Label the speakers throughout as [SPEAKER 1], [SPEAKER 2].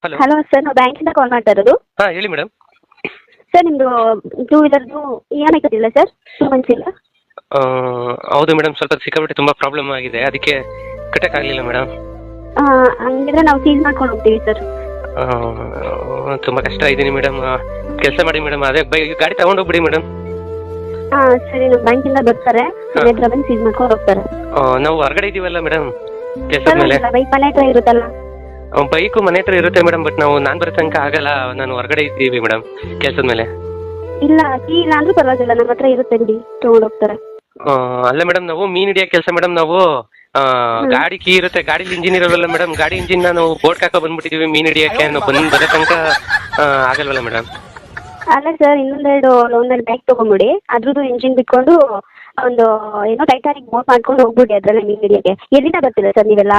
[SPEAKER 1] Hello
[SPEAKER 2] hello sir, ನಾವು ಬ್ಯಾಂಕಿಂದ ಕಾಲ್ ಮಾಡ್ತಾ ಇರೋದು.
[SPEAKER 1] ಹಾಂ ಹೇಳಿ ಮೇಡಮ್.
[SPEAKER 2] ಸರ್, ನಿಮ್ಮದು ಟೂ ವೀಲರ್ದು ಇ ಎಮ್ ಐ ಕಟ್ಟಿಲ್ಲ ಸರ್, 2 ಮಂತ್ಸ್ ಇಲ್ಲ.
[SPEAKER 1] ಹೌದು ಮೇಡಮ್, ಸ್ವಲ್ಪ ಸಿಕ್ಕಾಪಟ್ಟೆ ತುಂಬ ಪ್ರಾಬ್ಲಮ್ ಆಗಿದೆ, ಅದಕ್ಕೆ ಕಟ್ಟೋಕ್ಕಾಗಲಿಲ್ಲ ಮೇಡಮ್.
[SPEAKER 2] ಹಂಗಿದ್ರೆ ನಾವು ಸೀಲ್ ಮಾಡ್ಕೊಂಡು ಹೋಗ್ತೀವಿ ಸರ್.
[SPEAKER 1] ತುಂಬ ಕಷ್ಟ ಇದ್ದೀನಿ ಮೇಡಮ್. ಕೆಲಸ ಮಾಡಿ ಮೇಡಮ್, ಅದೇ ಗಾಡಿ ತಗೊಂಡೋಗ್ಬಿಡಿ ಮೇಡಮ್.
[SPEAKER 2] ಸರಿ, ನಮ್ಮ ಬ್ಯಾಂಕಿಂದ ಬರ್ತಾರೆ, ಮನೆ ಹತ್ರ ಬಂದು ಸೀಲ್ ಮಾಡ್ಕೊಂಡು ಹೋಗ್ತಾರೆ.
[SPEAKER 1] ನಾವು ಹೊರಗಡೆ ಇದ್ದೀವಲ್ಲ ಮೇಡಮ್ ಕೆಲಸದ ಮೇಲೆ.
[SPEAKER 2] ಬೈಕ್ ಮನೆ ಹತ್ರ ಇರುತ್ತಲ್ಲ.
[SPEAKER 1] ಬೈಕು ಮನೆ ಹತ್ರ ಇರುತ್ತೆ ಮೇಡಮ್, ಬಟ್ ನಾನು ಬರೋ ತನಕ ಆಗಲ್ಲ, ನಾನು ಹೊರಗಡೆ ಇದ್ದೀವಿ ಮೇಡಮ್ ಕೆಲಸದ ಮೇಲೆ.
[SPEAKER 2] ಇಲ್ಲ, ಕೀ ಇಲ್ಲ ಅಂದ್ರೂ ಪರವಾಗಿಲ್ಲ, ನಮ್ಮ ಹತ್ರ ಇರುತ್ತೆ ಬಿಡಿ, ತಗೊಂಡು ಹೋಗ್ತಾರೆ.
[SPEAKER 1] ಅಲ್ಲ ಮೇಡಮ್, ನಾವು ಮೀನ್ ಹಿಡಿಯೋ ಕೆಲಸ ಮೇಡಮ್. ನಾವು ಗಾಡಿ ಕೀ ಇರುತ್ತೆ, ಗಾಡಿಲಿ ಇಂಜಿನ್ ಇರೋಲ್ಲ ಮೇಡಮ್. ಗಾಡಿ ಇಂಜಿನ್ ನಾವು ಬೋಟ್ ಹಾಕೋ ಬಂದ್ಬಿಟ್ಟಿದೀವಿ ಮೀನ್ ಹಿಡಿಯೋಕ್ಕೆ. ನಾವು ಬರೋ ತನಕ ಆಗಲ್ವಲ್ಲ ಮೇಡಮ್.
[SPEAKER 2] ಅಲ್ಲ ಸರ್, ಒಂದೆರಡು ಬ್ಯಾಗ್ ತೊಗೊಂಬಿಡಿ, ಅದ್ರದ್ದು ಇಂಜಿನ್ ಬಿಟ್ಕೊಂಡು ಒಂದು ಏನೋ ಟೈಟಾನಿಕ್ ಬೋಟ್ ಮಾಡ್ಕೊಂಡು ಹೋಗ್ಬಿಡಿ ಅದ್ರಲ್ಲೇ ಮೀನ್ ಹಿಡಿಯೋಕ್ಕೆ. ಎಲ್ಲಿಂದ ಬರ್ತೀರಾ ಸರ್ ನೀವೆಲ್ಲ?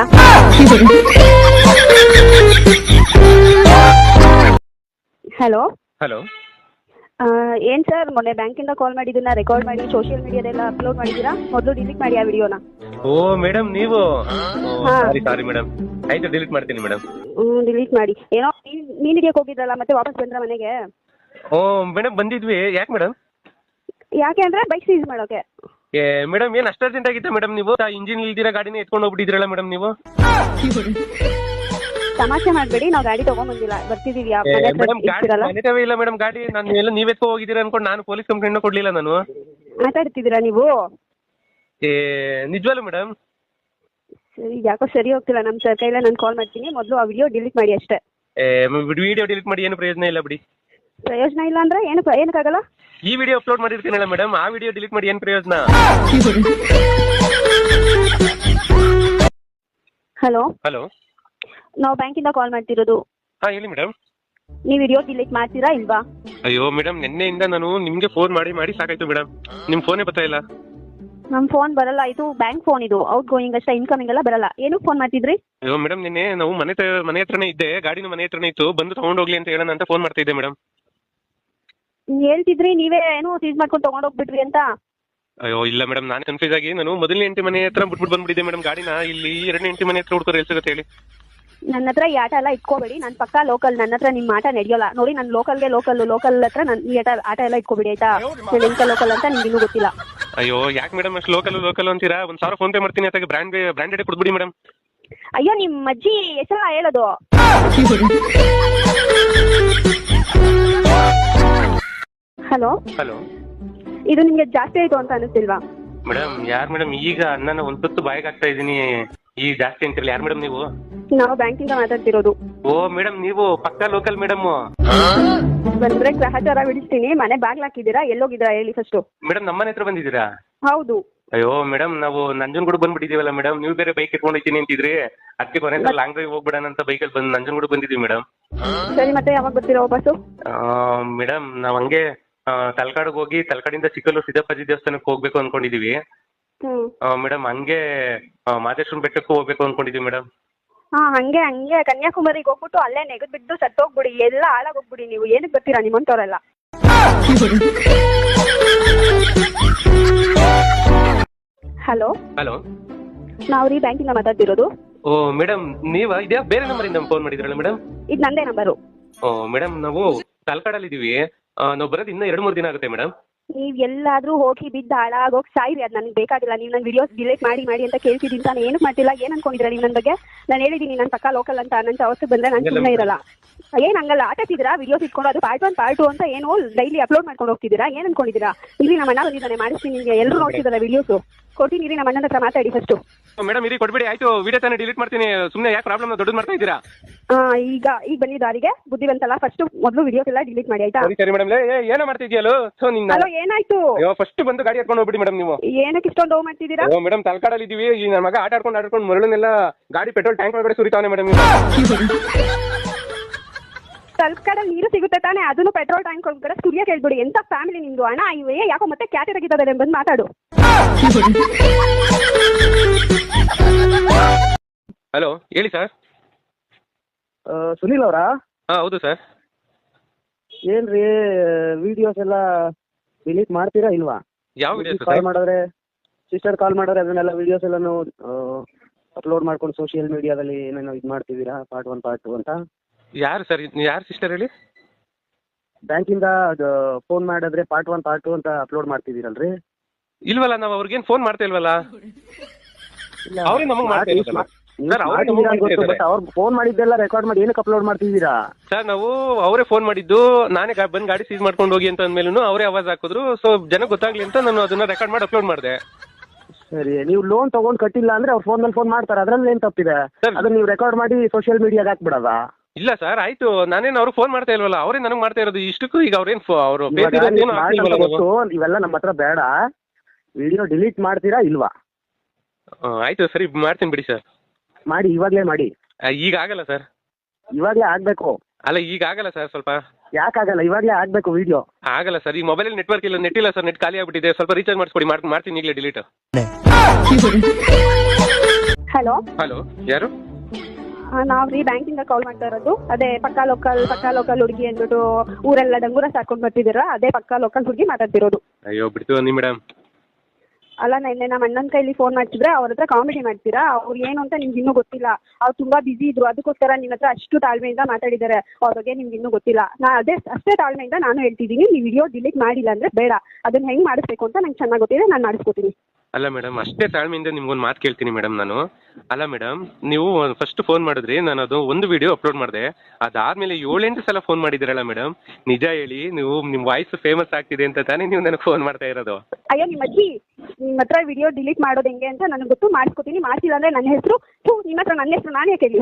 [SPEAKER 2] Hello
[SPEAKER 1] hello.
[SPEAKER 2] ಏನು ಸರ್, ಮೊನ್ನೆ ಬ್ಯಾಂಕಿಂದ ಕಾಲ್ ಮಾಡಿದ್ದನ್ನ ರೆಕಾರ್ಡ್ ಮಾಡಿ ಸೋಷಿಯಲ್ ಮೀಡಿಯಾದೆಲ್ಲ ಅಪ್ಲೋಡ್ ಮಾಡಿದ್ದೀರಾ? ಮೊದಲು ಡಿಲೀಟ್ ಮಾಡಿ ಆ ವಿಡಿಯೋನ.
[SPEAKER 1] ಓ ಮೇಡಮ್, ನೀವು ಸಾರಿ ಮೇಡಮ್, ಆಯ್ತು ಡಿಲೀಟ್ ಮಾಡ್ತೀನಿ ಮೇಡಮ್.
[SPEAKER 2] ಡಿಲೀಟ್ ಮಾಡಿ. ಏನೋ ಮೀನ್ ಹಿಡಿಯೋಕೆ ಹೋಗಿದ್ರಲ್ಲ, ಮತ್ತೆ ವಾಪಸ್ ಬಂದ್ರ ಮನೆಗೆ?
[SPEAKER 1] ಓ ಮೇಡಮ್, ಬಂದಿದ್ವಿ. ಯಾಕೆ ಮೇಡಮ್?
[SPEAKER 2] ಯಾಕೆ ಅಂದ್ರೆ ಬೈಕ್ ಸೀಸ್ ಮಾಡೋಕೆ.
[SPEAKER 1] ಮೇಡಮ್, ಏನು ಅಷ್ಟು ಅರ್ಜೆಂಟ್ ಆಗಿತ್ತ ಮೇಡಮ್? ನೀವು ಇಂಜಿನ್ ಇಲ್ದಿರ ಗಾಡಿನ ಎತ್ಕೊಂಡು ಹೋಗ್ಬಿಟ್ಟಿದ್ರಲ್ಲ ಮೇಡಮ್ ನೀವು.
[SPEAKER 2] ತಮಾಷೆ ಮಾಡಬೇಡಿ, ನಾವು ಗಾಡಿ ತಗೊಂಡ್ಬಂದಿಲ್ಲ, ಬರ್ತಿದೀವಿ.
[SPEAKER 1] ಮನೆ ಇಲ್ಲ ಮೇಡಮ್ ಗಾಡಿ. ನಾನು ಎಲ್ಲ ನೀವ್ ಎತ್ಕೊ ಹೋಗಿದ್ದೀರಾ ಅನ್ಕೊಂಡು ನಾನು ಪೊಲೀಸ್ ಕಂಪ್ಲೇಂಟ್ ಕೊಡ್ಲಿಲ್ಲ ನಾನು.
[SPEAKER 2] ಮಾತಾಡ್ತಿದ್ದೀರಾ ನೀವು?
[SPEAKER 1] ನಿಜವಲ್ಲ ಮೇಡಮ್?
[SPEAKER 2] ಸರಿ, ಯಾಕೋ ಸರಿ ಹೋಗ್ತಿಲ್ಲ ನಮ್ಮ ಸರ್ ಕೈಲ. ನಾನು ಕಾಲ್ ಮಾಡ್ತೀನಿ, ಮೊದಲು ಆ ವಿಡಿಯೋ ಡಿಲೀಟ್ ಮಾಡಿ ಅಷ್ಟೇ.
[SPEAKER 1] ವಿಡಿಯೋ ಡಿಲೀಟ್ ಮಾಡಿ ಏನು ಪ್ರಯೋಜನ ಇಲ್ಲ ಬಿಡಿ.
[SPEAKER 2] ಪ್ರಯೋಜನ ಇಲ್ಲ ಅಂದ್ರೆ ಏನಕ್ಕಾಗಲ್ಲ?
[SPEAKER 1] ಈ ವಿಡಿಯೋ ಅಪ್ಲೋಡ್ ಮಾಡಿರ್ತೀನಲ್ಲ ಮೇಡಮ್, ಆ ವಿಡಿಯೋ ಡಿಲೀಟ್ ಮಾಡಿ ಏನು ಪ್ರಯೋಜನ?
[SPEAKER 2] ಹಲೋ
[SPEAKER 1] ಹಲೋ,
[SPEAKER 2] ನಾವು ಬ್ಯಾಂಕಿಂದ ಕಾಲ್ ಮಾಡ್ತಿರೋದು.
[SPEAKER 1] ಹಾಂ ಹೇಳಿ ಮೇಡಮ್.
[SPEAKER 2] ನೀವು ವಿಡಿಯೋ ಡಿಲೀಟ್ ಮಾಡ್ತೀರಾ ಇಲ್ವಾ?
[SPEAKER 1] ಅಯ್ಯೋ ಮೇಡಮ್, ನಿನ್ನೆಯಿಂದ ನಾನು ನಿಮಗೆ ಫೋನ್ ಮಾಡಿ ಸಾಕಾಯ್ತು ಮೇಡಮ್. ನಿಮ್ಮ ಫೋನೇ ಬರ್ತಾ ಇಲ್ಲ.
[SPEAKER 2] ನಮ್ಮ ಫೋನ್ ಬರಲ್ಲ, ಇದು ಬ್ಯಾಂಕ್ ಫೋನ್, ಇದು ಔಟ್ ಗೋಯಿಂಗ್ ಅಷ್ಟೇ, ಇನ್ಕಮಿಂಗ್ ಎಲ್ಲ ಬರಲ್ಲ. ಏನಕ್ಕೆ ಫೋನ್ ಮಾಡ್ತಿದ್ರಿ?
[SPEAKER 1] ಅಯ್ಯೋ ಮೇಡಮ್, ನಿನ್ನೆ ನಾವು ಮನೆ ಹತ್ರನೇ ಇದ್ದೆ, ಗಾಡಿನ ಮನೆ ಹತ್ರನೇ ಇತ್ತು, ಬಂದು ತಗೊಂಡೋಗ್ಲಿ ಅಂತ ಹೇಳೋಣ ಅಂತ ಫೋನ್ ಮಾಡ್ತಾ ಇದ್ದೆ ಮೇಡಮ್.
[SPEAKER 2] ಹೇಳ್ತಿದ್ರಿ ನೀವೇ ಏನೋ ಸೀಸ್ ಮಾಡ್ಕೊಂಡು ತಗೊಂಡೋಗ್ಬಿಟ್ರಿ ಅಂತ.
[SPEAKER 1] ಅಯ್ಯೋ ಇಲ್ಲ ಮೇಡಮ್, ನಾನು ಕನ್ಫ್ಯೂಸ್ ಆಗಿ ನಾನು ಮೊದಲನೇ ಹೆಂಡತಿ ಮನೆ ಹತ್ರ ಬಿಟ್ಬಿಟ್ಟು ಬಂದ್ಬಿಟ್ಟಿದ್ದೆ ಮೇಡಮ್ ಗಾಡಿನ. ಇಲ್ಲಿ ಎರಡನೇ ಹೆಂಡತಿ ಮನೆ ಹತ್ರ ಹುಡ್ಕೋರು ಎಲ್ಲಿ ಸಿಗುತ್ತೆ ಹೇಳಿ?
[SPEAKER 2] ನನ್ನ ಹತ್ರ ಈ ಆಟ ಎಲ್ಲ ಇಟ್ಕೋಬೇಡಿ, ನಾನು ಪಕ್ಕಾ ಲೋಕಲ್, ನನ್ನ ಹತ್ರ ನಿಮ್ಮ ಆಟ ನಡೆಯೋಲ್ಲ ನೋಡಿ. ನಾನು ಲೋಕಲ್ ಹತ್ರ ನಾನು ಈ ಆಟ ಎಲ್ಲ ಇಟ್ಕೋಬೇಡಿ ಆಯ್ತಾ? ನಾನು ಎಂತ ಲೋಕಲ್ ಅಂತ ನಿಮ್ಗೆ ಇನ್ನೂ ಗೊತ್ತಿಲ್ಲ.
[SPEAKER 1] ಅಯ್ಯೋ ಯಾಕೆ ಮೇಡಮ್ ಅಷ್ಟು ಲೋಕಲ್ ಅಂತೀರಾ? 1,000 ಫೋನ್ ಪೇ ಮಾಡ್ತೀನಿ, ಅದಕ್ಕೆ ಬ್ರ್ಯಾಂಡೆಡ್ ಕೊಡ್ಬಿಡಿ ಮೇಡಮ್.
[SPEAKER 2] ಅಯ್ಯೋ, ನಿಮ್ಮ ಅಜ್ಜಿ ಹೆಸರ ಹೇಳೋದು. ಹಲೋ
[SPEAKER 1] ಹಲೋ,
[SPEAKER 2] ಇದು ನಿಮ್ಗೆ ಜಾಸ್ತಿ ಆಯ್ತು ಅಂತ ಅನಿಸ್ತಿಲ್ವಾ?
[SPEAKER 1] ಮೇಡಮ್ ಯಾರು ಮೇಡಮ್? ಈಗ ಅಣ್ಣನ ಒಂದು ತುತ್ತು ಬಾಯಿಗೆ ಹಾಕ್ತಾ ಇದ್ದೀನಿ, ಈಗ ಜಾಸ್ತಿ ಅಂತಿರಲ್ಲ. ಯಾರು ಮೇಡಮ್ ನೀವು?
[SPEAKER 2] ನಾವು ಬ್ಯಾಂಕಿಂದ ಮಾತಾಡ್ತಿರೋದು.
[SPEAKER 1] ಓ ಮೇಡಮ್, ನೀವು ಪಕ್ಕಾ ಲೋಕಲ್ ಮೇಡಮ್.
[SPEAKER 2] ಬಂದ್ರೆ ಗ್ರಹಚಾರ ಬಿಡಿಸ್ತೀನಿ. ಮನೆ ಬಾಗ್ಲು ಹಾಕಿದ್ದೀರಾ? ಎಲ್ಲೋಗಿದ್ದೀರಾ ಹೇಳಿ ಫಸ್ಟು?
[SPEAKER 1] ಮೇಡಮ್, ನಮ್ಮನೆ ಹತ್ರ ಬಂದಿದ್ದೀರಾ?
[SPEAKER 2] ಹೌದು.
[SPEAKER 1] ಅಯ್ಯೋ ಮೇಡಮ್, ನಾವು ನಂಜನಗೂಡು ಬಂದ್ಬಿಟ್ಟಿದೀವಲ್ಲ ಮೇಡಮ್. ನೀವು ಬೇರೆ ಬೈಕ್ ಎತ್ಕೊಂಡು ಹೋಗ್ತೀನಿ ಅಂತಿದ್ರಿ, ಅದಕ್ಕೆ ಕೊನೆ ಲಾಂಗ್ ಡ್ರೈವ್ ಹೋಗ್ಬಿಡೋಣ ಅಂತ ಬೈಕಲ್ಲಿ ಬಂದು ನಂಜನಗೂಡು ಬಂದಿದ್ದೀವಿ ಮೇಡಮ್.
[SPEAKER 2] ಸರಿ, ಮತ್ತೆ ಯಾವಾಗ ಬರ್ತೀರಾ ವಾಪಸ್ಸು?
[SPEAKER 1] ಮೇಡಮ್, ನಾವು ಹಂಗೆ ತಲಕಾಡಿಗೆ ಹೋಗಿ ತಲಕಾಡಿಂದ ಚಿಕ್ಕಲ್ಲೂರು ಸಿದ್ದಪ್ಪಾಜಿ ದೇವಸ್ಥಾನಕ್ಕೆ ಹೋಗ್ಬೇಕು ಅನ್ಕೊಂಡಿದೀವಿ ಮೇಡಮ್. ಹಂಗೆ ಮಾದೇಶ್ವರನ ಬೆಟ್ಟಕ್ಕೂ ಹೋಗ್ಬೇಕು ಅನ್ಕೊಂಡಿದೀವಿ ಮೇಡಮ್.
[SPEAKER 2] ಹಂಗೆ ಕನ್ಯಾಕುಮಾರಿಗೆ ಹೋಗ್ಬಿಟ್ಟು ಅಲ್ಲೇ ನೆಗದ್ ಬಿದ್ದು ಸತ್ತೋಗ್ಬಿಡಿ, ಎಲ್ಲ ಹಾಳಾಗೋಗ್ಬಿಡಿ. ನೀವು ಏನಕ್ಕೆ ಬರ್ತೀರಾ ನಿಮ್ಮಂತವ್ರೆಲ್ಲ? ಹಲೋ
[SPEAKER 1] ಹಲೋ,
[SPEAKER 2] ನಾವು ರೀ ಬ್ಯಾಂಕಿಂದ ಮಾತಾಡ್ತಿರೋದು.
[SPEAKER 1] ಓ ಮೇಡಮ್, ನೀವಾ? ಇದ್ಯಾ ಬೇರೆ ನಂಬರಿಂದ ಫೋನ್ ಮಾಡಿದ್ರಲ್ಲ ಮೇಡಮ್?
[SPEAKER 2] ಇದು ನಂದೇ ನಂಬರು.
[SPEAKER 1] ಓ ಮೇಡಮ್, ನಾವು ತಲಕಾಡಲ್ಲಿ ಇದೀವಿ. ನಾವು ಬರೋದು ಇನ್ನೂ 2-3 ದಿನ ಆಗುತ್ತೆ ಮೇಡಮ್.
[SPEAKER 2] ನೀವು ಎಲ್ಲಾದ್ರೂ ಹೋಗಿ ಬಿದ್ದು ಹಾಳಾಗೋಗಿ ಸಾಯಿರಿ, ಅದು ನನಗೆ ಬೇಕಾಗಿಲ್ಲ. ನೀವು ನನ್ನ ವಿಡಿಯೋಸ್ ಡಿಲೀಟ್ ಮಾಡಿ ಅಂತ ಕೇಳ್ತಿದ್ದೀನಿ ತಾನು. ಏನಕ್ಕೆ ಮಾಡ್ತಿಲ್ಲ? ಏನು ಅನ್ಕೊಂಡಿದ್ದೀರಾ ನೀವು ನನ್ನ ಬಗ್ಗೆ? ನಾನು ಹೇಳಿದ್ದೀನಿ ನಾನು ಪಕ್ಕಾ ಲೋಕಲ್ ಅಂತ. ನನ್ನ ಅವಸ್ಥೆ ಬಂದರೆ ನಾನು ಸುಮ್ಮನೆ ಇರಲ್ಲ. ಏನು ಹಂಗಲ್ಲ ಆಟಾಡ್ತಿದ್ದೀರಾ? ವಿಡಿಯೋಸ್ ಇಟ್ಕೊಂಡು ಅದು ಪಾರ್ಟ್ 1 ಪಾರ್ಟ್ 2 ಅಂತ ಏನು ಡೈಲಿ ಅಪ್ಲೋಡ್ ಮಾಡ್ಕೊಂಡು ಹೋಗ್ತಿದ್ದೀರಾ? ಏನು ಅನ್ಕೊಂಡಿದ್ದೀರಾ? ಇಲ್ಲಿ ನಮ್ಮ ಅಣ್ಣ ಬಂದಿದ್ದಾನೆ, ಮಾಡಿಸ್ತೀನಿ ನಿಮಗೆ. ಎಲ್ಲರೂ ನೋಡ್ತಿದ್ದಾರೆ ವಿಡಿಯೋಸು. ಕೊಡ್ತೀನಿ ಇರಿ, ನಮ್ಮ ಅಣ್ಣನ ಹತ್ರ ಮಾತಾಡಿ ಫಸ್ಟು.
[SPEAKER 1] ಮೇಡಮ್ ಇರಿ, ಕೊಡ್ಬೇಡಿ ಆಯ್ತು. ವಿಡಿಯೋ ತಾನೇ ಡಿಲೀಟ್ ಮಾಡ್ತೀನಿ, ಸುಮ್ಮನೆ ಯಾಕೆ ಪ್ರಾಬ್ಲಮ್ ದೊಡ್ಡದು ಮಾಡ್ತಾ ಇದ್ದೀರಾ?
[SPEAKER 2] ಈಗ ಬಂದಿದ್ದು ದಾರಿಗೆ ಬುದ್ಧಿವಂತಲ್ಲ. ಫಸ್ಟ್ ಮೊದಲು ವಿಡಿಯೋಸ್ ಎಲ್ಲ ಡಿಲೀಟ್ ಮಾಡಿ ಆಯ್ತಾ?
[SPEAKER 1] ಸರಿ ಮೇಡಮ್. ಏನೋ ಮಾಡ್ತಿದ್ಯಲ್ಲೋ?
[SPEAKER 2] ಹಲೋ, ಏನಾಯ್ತು?
[SPEAKER 1] ಫಸ್ಟ್ ಬಂದು ಗಾಡಿ ಹತ್ಕೊಂಡು ಹೋಗ್ಬಿಡಿ ಮೇಡಮ್. ನೀವು
[SPEAKER 2] ಏನಕ್ಕೆ ಇಷ್ಟೊಂದು ಹೋಗಿ ಮಾಡ್ತಿದ್ದೀರಾ?
[SPEAKER 1] ಮೇಡಮ್, ತಲಕಾಡಲ್ಲಿ ಇದೀವಿ. ಈ ನನ್ನ ಮಗ ಆಟಾಡ್ಕೊಂಡು ಮರಳನ್ನೆಲ್ಲ ಗಾಡಿ ಪೆಟ್ರೋಲ್ ಟ್ಯಾಂಕ್ ಒಳಗಡೆ ಸುರಿತಾನೆ ಮೇಡಮ್.
[SPEAKER 2] ತಲಕಾಡಲ್ಲಿ ನೀರು ಸಿಗುತ್ತೆ ತಾನೆ? ಅದನ್ನು ಪೆಟ್ರೋಲ್ ಟ್ಯಾಂಕ್ ಒಳಗಡೆ ಸುರಿಯಕ್ಕೆ ಹೇಳ್ಬಿಡಿ. ಎಂತ ಫ್ಯಾಮಿಲಿ ನಿಮ್ದು? ಅಣ್ಣ ಇವೇ ಯಾಕೋ ಮತ್ತೆ ಕ್ಯಾತೆ ತೆಗಿತದೆ, ಬಂದು ಮಾತಾಡು.
[SPEAKER 1] ಹಲೋ, ಹೇಳಿ ಸರ್.
[SPEAKER 3] ಸುನಿಲ್ ಅವರಾ?
[SPEAKER 1] ಹಾಂ ಹೌದು ಸರ್.
[SPEAKER 3] ಏನ್ರಿ ವಿಡಿಯೋಸ್ ಎಲ್ಲ ಡಿಲೀಟ್ ಮಾಡ್ತೀರಾ ಇಲ್ವಾ?
[SPEAKER 1] ಯಾವ ವಿಡಿಯೋಸ್?
[SPEAKER 3] ಕಾಲ್ ಮಾಡಿದ್ರೆ ಸಿಸ್ಟರ್ ಕಾಲ್ ಮಾಡಿದ್ರೆ ಅದನ್ನೆಲ್ಲ ವಿಡಿಯೋಸ್ ಎಲ್ಲಾನು ಅಪ್ಲೋಡ್ ಮಾಡ್ಕೊಂಡು ಸೋಷಿಯಲ್ ಮೀಡಿಯಾದಲ್ಲಿ ಏನೇನೋ ಇದು ಮಾಡ್ತಿದ್ದೀರಾ, ಪಾರ್ಟ್ 1 ಪಾರ್ಟ್ 2 ಅಂತ.
[SPEAKER 1] ಯಾರು ಸರ್ ಯಾರು ಸಿಸ್ಟರ್ ಹೇಳಿ?
[SPEAKER 3] ಬ್ಯಾಂಕಿಂದ ಅದು ಫೋನ್ ಮಾಡಿದ್ರೆ ಪಾರ್ಟ್ 1 ಪಾರ್ಟ್ 2 ಅಂತ ಅಪ್ಲೋಡ್ ಮಾಡ್ತಿದ್ದೀರಲ್ರಿ?
[SPEAKER 1] ಇಲ್ವಲ್ಲ, ನಾವು ಅವ್ರಿಗೇನು ಫೋನ್ ಮಾಡ್ತಾ ಇಲ್ವಲ್ಲ. ಅವ್ರೇ ನಮಗೆ ಮಾಡ್ತಾ ಇರೋದಲ್ಲ ಸರ್, ಅವ್ರೇ ನಮಗೆ ಮಾಡ್ತಾ ಇದ್ದಾರೆ.
[SPEAKER 3] ಅವ್ರು ಫೋನ್ ಮಾಡಿದ್ದೆಲ್ಲ ರೆಕಾರ್ಡ್ ಮಾಡಿ ಏನಕ್ಕೆ ಅಪ್ಲೋಡ್ ಮಾಡ್ತಿದ್ದೀರಾ
[SPEAKER 1] ಸರ್? ನಾವು ಅವರೇ ಫೋನ್ ಮಾಡಿದ್ದು, ನಾನೇ ಬಂದು ಗಾಡಿ ಸೀಸ್ ಮಾಡ್ಕೊಂಡು ಹೋಗಿ ಅಂತ ಅಂದ್ಮೇಲೂ ಅವರೇ ಆವಾಜ್ ಹಾಕಿದ್ರು. ಸೊ ಜನಕ್ಕೆ ಗೊತ್ತಾಗ್ಲಿ ಅಂತ ನಾನು ಅದನ್ನ ರೆಕಾರ್ಡ್ ಮಾಡಿ ಅಪ್ಲೋಡ್ ಮಾಡಿದೆ.
[SPEAKER 3] ಸರಿ, ನೀವು ಲೋನ್ ತಗೊಂಡ್ ಕಟ್ಟಿಲ್ಲ ಅಂದ್ರೆ ಅವ್ರ ಫೋನ್ ಮೇಲೆ ಫೋನ್ ಮಾಡ್ತಾರೆ, ಅದ್ರಲ್ಲಿ ಏನ್ ತಪ್ಪಿದೆ?
[SPEAKER 1] ಸರ್,
[SPEAKER 3] ಅದನ್ನ ನೀವು ರೆಕಾರ್ಡ್ ಮಾಡಿ ಸೋಷಿಯಲ್ ಮೀಡಿಯಾಗ ಹಾಕ್ಬಿಡದ?
[SPEAKER 1] ಇಲ್ಲ ಸರ್, ಆಯ್ತು, ನಾನೇನು ಅವ್ರು ಫೋನ್ ಮಾಡ್ತಾ ಇಲ್ವಲ್ಲ, ಅವರೇ ನನಗೆ ಮಾಡ್ತಾ ಇರೋದು. ಇಷ್ಟಕ್ಕೂ ಈಗ ಅವ್ರೇನು ಅವರು
[SPEAKER 3] ಇವೆಲ್ಲ ನಮ್ಮ ಹತ್ರ ಬೇಡ. ವಿಡಿಯೋ ಡಿಲೀಟ್ ಮಾಡ್ತೀರಾ ಇಲ್ವಾ?
[SPEAKER 1] ಆಯ್ತು ಸರಿ, ಮಾಡ್ತೀನಿ ಬಿಡಿ ಸರ್.
[SPEAKER 3] ಮಾಡಿ, ಇವಾಗ್ಲೇ ಮಾಡಿ.
[SPEAKER 1] ಈಗ ಆಗಲ್ಲ ಸರ್.
[SPEAKER 3] ಇವಾಗ್ಲೇ ಆಗ್ಬೇಕು.
[SPEAKER 1] ಅಲ್ಲ, ಈಗ ಆಗಲ್ಲ ಸರ್. ಸ್ವಲ್ಪ
[SPEAKER 3] ಯಾಕಾಗಲ್ಲ? ಇವಾಗ್ಲೇ ಆಗ್ಬೇಕು ವಿಡಿಯೋ.
[SPEAKER 1] ಆಗಲ್ಲ ಸರ್, ಈ ಮೊಬೈಲ್ ನೆಟ್ವರ್ಕ್ ಇಲ್ಲ, ನೆಟ್ ಇಲ್ಲ ಸರ್, ನೆಟ್ ಖಾಲಿ ಆಗ್ಬಿಟ್ಟಿದೆ. ಸ್ವಲ್ಪ ರೀಚಾರ್ಜ್ ಮಾಡಿಸ್ಕೊಡಿ, ಮಾಡ್ತೀನಿ ಈಗಲೇ ಡಿಲೀಟ್.
[SPEAKER 2] ಹಲೋ
[SPEAKER 1] ಹಲೋ, ಯಾರು?
[SPEAKER 2] ನಾವು ರೀ ಬ್ಯಾಂಕಿಂದ ಕಾಲ್ ಮಾಡ್ತಾ ಇರೋದು. ಅದೇ ಪಕ್ಕಾ ಲೋಕಲ್ ಹುಡುಗಿ ಅಂದ್ಬಿಟ್ಟು ಊರೆಲ್ಲ ಡಂಗೂರ ಸಾಕೊಂಡು ಬರ್ತಿದ್ದೀರಾ, ಅದೇ ಪಕ್ಕಾ ಲೋಕಲ್ ಹುಡುಗಿ ಮಾತಾಡ್ತಿರೋದು.
[SPEAKER 1] ಅಯ್ಯೋ ಬಿಡ್ತು ನೀ ಮೇಡಮ್.
[SPEAKER 2] ಅಲ್ಲ, ನೆನ್ನೆ ನಮ್ಮ ಅಣ್ಣನ ಕೈಲಿ ಫೋನ್ ಮಾಡ್ತಿದ್ರೆ ಅವ್ರ ಹತ್ರ ಕಾಮಿಡಿ ಮಾಡ್ತೀರಾ. ಅವ್ರು ಏನು ಅಂತ ನಿಮ್ಗೆ ಇನ್ನೂ ಗೊತ್ತಿಲ್ಲ. ಅವ್ರು ತುಂಬಾ ಬಿಸಿ ಇದ್ರು, ಅದಕ್ಕೋಸ್ಕರ ನಿಮ್ಮ ಹತ್ರ ಅಷ್ಟು ತಾಳ್ಮೆಯಿಂದ ಮಾತಾಡಿದ್ದಾರೆ. ಅವ್ರ ಬಗ್ಗೆ ನಿಮ್ಗೆ ಇನ್ನೂ ಗೊತ್ತಿಲ್ಲ. ಅಷ್ಟೇ ತಾಳ್ಮೆಯಿಂದ ನಾನು ಹೇಳ್ತಿದ್ದೀನಿ, ನೀವು ವಿಡಿಯೋ ಡಿಲೀಟ್ ಮಾಡಿಲ್ಲ ಅಂದ್ರೆ ಬೇಡ. ಅದನ್ನ ಹೆಂಗ್ ಮಾಡಿಸ್ಬೇಕು ಅಂತ ನಂಗೆ ಚೆನ್ನಾಗಿ ಗೊತ್ತಿದೆ, ನಾನು ಮಾಡಿಸ್ಕೊತೀನಿ.
[SPEAKER 1] ಅಲ್ಲ ಮೇಡಮ್, ಅಷ್ಟೇ ತಾಳ್ಮೆಯಿಂದ ನಿಮ್ಗೊಂದು ಮಾತು ಕೇಳ್ತೀನಿ ಮೇಡಮ್ ನಾನು. ಅಲ್ಲ ಮೇಡಮ್, ನೀವು ಫಸ್ಟ್ ಫೋನ್ ಮಾಡಿದ್ರಿ, ನಾನು ಅದು ಒಂದು ವಿಡಿಯೋ ಅಪ್ಲೋಡ್ ಮಾಡಿದೆ. ಅದಾದ್ಮೇಲೆ 7-8 ಸಲ ಫೋನ್ ಮಾಡಿದಿರಲ್ಲ ಮೇಡಮ್. ನಿಜ ಹೇಳಿ, ನೀವು ನಿಮ್ಮ ವಾಯ್ಸ್ ಫೇಮಸ್ ಆಗ್ತಿದೆ ಅಂತ ತಾನೇ ನೀವು ನನಗೆ ಫೋನ್ ಮಾಡ್ತಾ ಇರೋದು?
[SPEAKER 2] ಅಯ್ಯೋ ನಿಮ್ಮ ಅಜ್ಜಿ, ನಿಮ್ಮ ಹತ್ರ ವಿಡಿಯೋ ಡಿಲೀಟ್ ಮಾಡೋದು ಹೆಂಗೆ ಅಂತ ನನಗೆ ಗೊತ್ತು, ಮಾಡಿಸ್ಕೊತೀನಿ. ಮಾಡಿಸಿಲ್ಲ ಅಂದ್ರೆ ನನ್ನ ಹೆಸರು ನಿಮ್ಮ ಹತ್ರ ನನ್ನ ಹೆಸರು ನಾನೇ ಕೇಳಿ.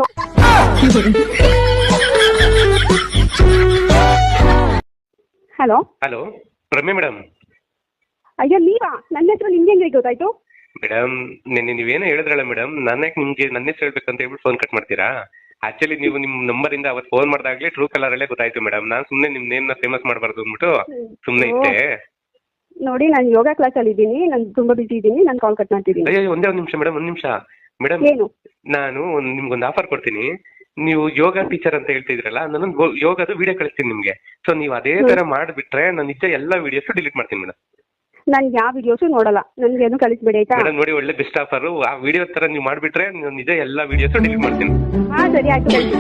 [SPEAKER 2] Hello
[SPEAKER 1] hello, Ramya madam.
[SPEAKER 2] ಅಯ್ಯೋ ನೀವಾ? ನನ್ನ ಹೆಸರು ನಿಮ್ಗೆ ಹೆಂಗೆ ಗೊತ್ತಾಯ್ತು?
[SPEAKER 1] ಮೇಡಮ್, ನಿನ್ನೆ ನೀವೇನೋ ಹೇಳಿದ್ರಲ್ಲ ಮೇಡಮ್, ನಾನೇ ನಿಮ್ಗೆ ನನ್ನ ಹೆಸರು ಹೇಳ್ಬೇಕಂತ ಹೇಳ್ಬಿಟ್ಟು ಫೋನ್ ಕಟ್ ಮಾಡ್ತೀರಾ? ಆಕ್ಚುಲಿ ನೀವು ನಿಮ್ಮ ನಂಬರಿಂದ ಅವತ್ತು ಫೋನ್ ಮಾಡಿದಾಗಲೇ ಟ್ರೂ ಕಲರಲ್ಲೇ ಗೊತ್ತಾಯ್ತು ಮೇಡಮ್. ನಾನು ಸುಮ್ಮನೆ ನಿಮ್ಮ ನೇಮ್ನ ಫೇಮಸ್ ಮಾಡಬಾರ್ದು ಅಂದ್ಬಿಟ್ಟು ಸುಮ್ಮನೆ ಇದ್ದೆ.
[SPEAKER 2] ನೋಡಿ, ನಾನು ಯೋಗ ಕ್ಲಾಸಲ್ಲಿ ಇದ್ದೀನಿ, ನಾನು ತುಂಬಾ ಬಿಸಿ ಇದ್ದೀನಿ, ನಾನು ಕಾಲ್ ಕಟ್ ಮಾಡ್ತಿದ್ದೀನಿ.
[SPEAKER 1] ಅಯ್ಯೋ, ಒಂದೇ ಒಂದು ನಿಮಿಷ ಮೇಡಮ್, ಒಂದು ನಿಮಿಷ ಮೇಡಮ್.
[SPEAKER 2] ಏನು?
[SPEAKER 1] ನಾನು ನಿಮ್ಗೊಂದು ಆಫರ್ ಕೊಡ್ತೀನಿ. ನೀವು ಯೋಗ ಟೀಚರ್ ಅಂತ ಹೇಳ್ತಿದ್ರಲ್ಲ, ನಾನು ಯೋಗದ ವಿಡಿಯೋ ಕಳಿಸ್ತೀನಿ ನಿಮ್ಗೆ. ಸೊ ನೀವು ಅದೇ ತರ ಮಾಡಿಬಿಟ್ರೆ ನಾನು ನಿಜ ಎಲ್ಲ ವಿಡಿಯೋಸ್ ಡಿಲೀಟ್ ಮಾಡ್ತೀನಿ ಮೇಡಮ್.
[SPEAKER 2] ನಾನು ಯಾವ ವಿಡಿಯೋಸು ನೋಡಲ್ಲ, ನನ್ಗೇನು ಕಳಿಸ್ಬೇಡಿ ಆಯ್ತಾ?
[SPEAKER 1] ಮೇಡಮ್ ನೋಡಿ, ಒಳ್ಳೆ ಬೆಸ್ಟ್ ಆಫರ್. ಆ ವಿಡಿಯೋ ತರ ನೀವು ಮಾಡಿಬಿಟ್ರೆ ನಾನು ನಿಜ ಎಲ್ಲ ವಿಡಿಯೋಸ್ ಡಿಲೀಟ್ ಮಾಡ್ತೀನಿ.
[SPEAKER 2] ಹಾ ಸರಿ, ಆಯ್ತು ಕಳಿಸಿ.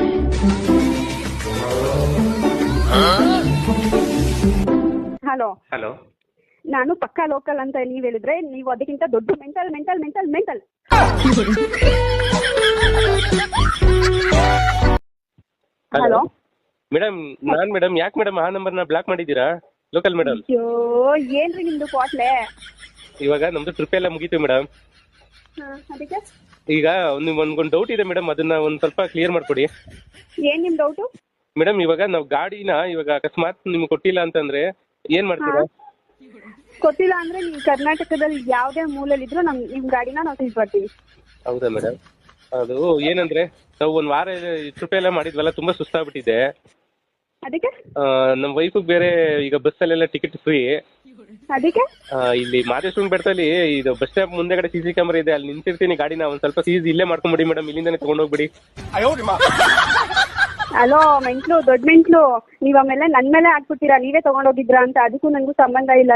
[SPEAKER 2] ಹಲೋ
[SPEAKER 1] ಹಲೋ,
[SPEAKER 2] ನಾನು ಪಕ್ಕಾ ಲೋಕಲ್ ಅಂತ ನೀವ್ ಹೇಳಿದ್ರೆ, ನೀವು ಅದಕ್ಕಿಂತ ದೊಡ್ಡ ಮೆಂಟಲ್. ಹಲೋ
[SPEAKER 1] ಮೇಡಮ್, ನಾನ್ ಮೇಡಮ್, ಯಾಕೆ ಮೇಡಮ್ ಆ ನಂಬರ್ನ ಬ್ಲಾಕ್ ಮಾಡಿದ್ದೀರಾ? Local madam.
[SPEAKER 2] ಅಯ್ಯೋ, ಏನ್ರಿ ನಿಮ್ದು ಕ್ವಾಟ್ಲೆ?
[SPEAKER 1] ಇವಾಗ ನಮ್ದು ಟ್ರಿಪ್ ಎಲ್ಲ ಮುಗೀತು ಮೇಡಮ್.
[SPEAKER 2] ಅದಕ್ಕೆ
[SPEAKER 1] ಈಗ ಒಂದು ಡೌಟ್ ಇದೆ ಮೇಡಮ್, ಅದನ್ನ ಒಂದು ಸ್ವಲ್ಪ ಕ್ಲಿಯರ್ ಮಾಡ್ಕೊಡಿ.
[SPEAKER 2] ಏನ್ ನಿಮ್ ಡೌಟು?
[SPEAKER 1] ಮೇಡಮ್, ಇವಾಗ ನಾವು ಗಾಡಿನ ಇವಾಗ ಅಕಸ್ಮಾತ್ ನಿಮ್ಗೆ ಕೊಟ್ಟಿಲ್ಲ ಅಂತಂದ್ರೆ ಏನ್ ಮಾಡ್ತೀರಾ?
[SPEAKER 2] ಗೊತ್ತಿಲ್ಲ ಅಂದ್ರೆ ನೀವು ಕರ್ನಾಟಕದಲ್ಲಿ ಯಾವ್ದೇ ಮೂಲೆಯಲ್ಲಿದ್ರು ನಿಮ್ ಗಾಡಿನ ನಾವು ತಿಳಿಸ್ಬರ್ತೀವಿ.
[SPEAKER 1] ಹೌದಾ ಮೇಡಮ್? ಅದು ಏನಂದ್ರೆ, ನಾವು ಒಂದ್ ವಾರ ಟ್ರಿಪ್ ಎಲ್ಲ ಮಾಡಿದ್ವಲ್ಲ, ತುಂಬಾ ಸುಸ್ತಾಗ್ಬಿಟ್ಟಿದೆ.
[SPEAKER 2] ಅದಕ್ಕೆ
[SPEAKER 1] ನಮ್ಮ ವೈಫಿಗೆ ಬೇರೆ ಈಗ ಬಸ್ಸಲ್ಲೆಲ್ಲ ಟಿಕೆಟ್ ಫ್ರೀ.
[SPEAKER 2] ಅದಕ್ಕೆ
[SPEAKER 1] ಇಲ್ಲಿ ಮಾದೇಶ್ವರನ ಬೆಟ್ಟದಲ್ಲಿ ಇದು ಬಸ್ ಸ್ಟಾಪ್ ಮುಂದೆಗಡೆ CC ಕ್ಯಾಮರಾ ಇದೆ, ಅಲ್ಲಿ ನಿಂತಿರ್ತೀನಿ. ಗಾಡಿನ ಒಂದ್ ಸ್ವಲ್ಪ ಸೀಸ್ ಇಲ್ಲೇ ಮಾಡ್ಕೊಂಡ್ಬಿಡಿ ಮೇಡಮ್, ಇಲ್ಲಿಂದಾನೆ ತಗೊಂಡೋಗ್ಬಿಡಿ.
[SPEAKER 2] ಹಲೋ ಮೆಂಟ್ಲು, ದೊಡ್ಡ ಮೆಂಟ್ಲು, ನೀವ್ ಆಮೇಲೆ ನನ್ ಮೇಲೆ ಹಾಕ್ಬಿಡ್ತೀರಾ, ನೀವೇ ತಗೊಂಡೋಗಿದ್ರಾ ಅಂತ. ಅದಕ್ಕೂ ನನಗೂ ಸಂಬಂಧ ಇಲ್ಲ.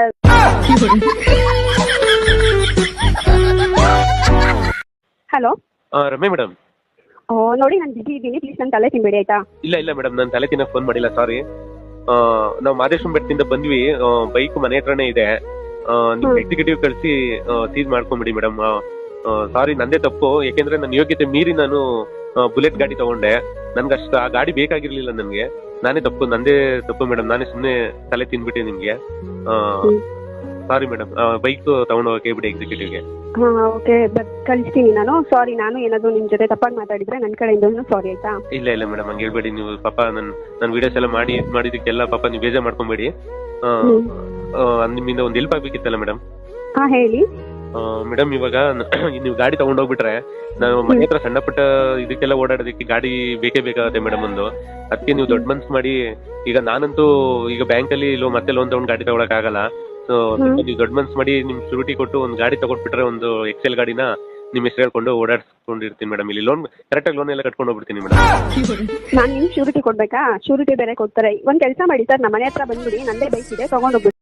[SPEAKER 2] Hello
[SPEAKER 1] Ramya madam.
[SPEAKER 2] ನೋಡಿ, ನಾನು ಬಿಸಿ ಇದ್ದೀನಿ, ಪ್ಲೀಸ್ ನನ್ನ ತಲೆ ತಿನ್ಬೇಡಿ ಆಯ್ತಾ?
[SPEAKER 1] ಇಲ್ಲ ಮೇಡಮ್, ನಾನು ತಲೆ ತಿನ್ನಕ್ ಫೋನ್ ಮಾಡಿಲ್ಲ, ಸಾರಿ. ನಾವು ಮಾದೇಶ್ವರನ ಬೆಟ್ಟದಿಂದ ಬಂದ್ವಿ, ಬೈಕ್ ಮನೆ ಹತ್ರನೇ ಇದೆ. ನೀವು ಎಕ್ಸಿಕ್ಯೂಟಿವ್ ಕಳಿಸಿ ಸೀಸ್ ಮಾಡ್ಕೊಂಬಿಡಿ ಮೇಡಮ್. ಸಾರಿ, ನಂದೇ ತಪ್ಪು. ಯಾಕೆಂದ್ರೆ ನನ್ನ ಯೋಗ್ಯತೆ ಮೀರಿ ನಾನು ಬುಲೆಟ್ ಗಾಡಿ ತಗೊಂಡೆ. ನನ್ಗೆ ಅಷ್ಟು ಆ ಗಾಡಿ ಬೇಕಾಗಿರ್ಲಿಲ್ಲ ನನಗೆ. ನಂದೇ ತಪ್ಪು ಮೇಡಮ್. ನಾನೇ ಸುಮ್ಮನೆ ತಲೆ ತಿನ್ಬಿಟ್ಟೆ ನಿಮ್ಗೆ. ಸಾರಿ ಮೇಡಮ್, ಬೈಕ್ ತಗೊಂಡು ಹೋಗಕ್ಕೆ ಬಿಡಿ ಎಕ್ಸಿಕ್ಯೂಟಿವ್ಗೆ.
[SPEAKER 2] ಓಕೆ, ಕಳಿಸ್ತೀನಿ ನಾನು. ಸಾರಿ, ನಾನು ಏನಾದ್ರು ನಿಮ್ ಜೊತೆ ತಪ್ಪಾಗಿ ಮಾತಾಡಿದ್ರೆ ನನ್ನ ಕಡೆಯಿಂದ ಸಾರಿ ಆಯ್ತಾ?
[SPEAKER 1] ಇಲ್ಲ ಮೇಡಮ್, ಹಂಗೆ ಹೇಳ್ಬೇಡಿ ನೀವು. ಪಾಪ ನನ್ನ ವಿಡಿಯೋಸ್ ಎಲ್ಲ ಮಾಡಿದಕ್ಕೆಲ್ಲ ಪಾಪ ನೀವು ಬೇಜಾರ್ ಮಾಡ್ಕೊಂಬೇಡಿ. ನಿಮ್ಮಿಂದ ಒಂದು ಹೆಲ್ಪ್ ಆಗ್ಬೇಕಿತ್ತಲ್ಲ ಮೇಡಮ್.
[SPEAKER 2] ಹಾ ಹೇಳಿ
[SPEAKER 1] ಮೇಡಮ್. ಇವಾಗ ನೀವು ಗಾಡಿ ತಗೊಂಡೋಗ್ಬಿಟ್ರೆ ನಾನು ಮನೆ ಹತ್ರ ಸಣ್ಣ ಪುಟ್ಟ ಇದಕ್ಕೆಲ್ಲ ಓಡಾಡೋದಕ್ಕೆ ಗಾಡಿ ಬೇಕೇ ಬೇಕಾಗುತ್ತೆ ಮೇಡಮ್ ಒಂದು. ಅದಕ್ಕೆ ನೀವು ದೊಡ್ಡ ಮನ್ಸು ಮಾಡಿ, ಈಗ ನಾನಂತೂ ಈಗ ಬ್ಯಾಂಕಲ್ಲಿ ಮತ್ತೆ ಲೋನ್ ತಗೊಂಡು ಗಾಡಿ ತಗೊಳಕ್ ಆಗಲ್ಲ. ಸೊ ನೀವು ದೊಡ್ಡ ಮನ್ಸು ಮಾಡಿ ನಿಮ್ ಶೂರಿಟಿ ಕೊಟ್ಟು ಒಂದು ಗಾಡಿ ತಗೊಂಡ್ಬಿಟ್ರೆ, ಒಂದು ಎಕ್ಸೆಲ್ ಗಾಡಿನ ನಿಮ್ ಹೆಸರು ಹೇಳ್ಕೊಂಡು ಓಡಾಡ್ಸ್ಕೊಂಡಿರ್ತೀನಿ ಮೇಡಮ್. ಇಲ್ಲಿ ಕರೆಕ್ಟಾಗಿ ಲೋನ್ ಎಲ್ಲ ಕಟ್ಕೊಂಡು ಹೋಗ್ಬಿಡ್ತೀನಿ ಮೇಡಮ್.
[SPEAKER 2] ನಾನು ನಿಮ್ ಶೂರಿಟಿ ಕೊಡ್ಬೇಕಾ? ಶೂರಿಟಿ ಬೇರೆ ಕೊಡ್ತಾರೆ. ಒಂದ್ ಕೆಲಸ ಮಾಡಿ ಸರ್, ನಮ್ಮ ಮನೆ ಹತ್ರ ಬಂದ್ಬಿಡಿ, ನಂದೇ ಬೈಕ್ ಇದೆ, ತಗೊಂಡೋಗ್ಬಿಡಿ.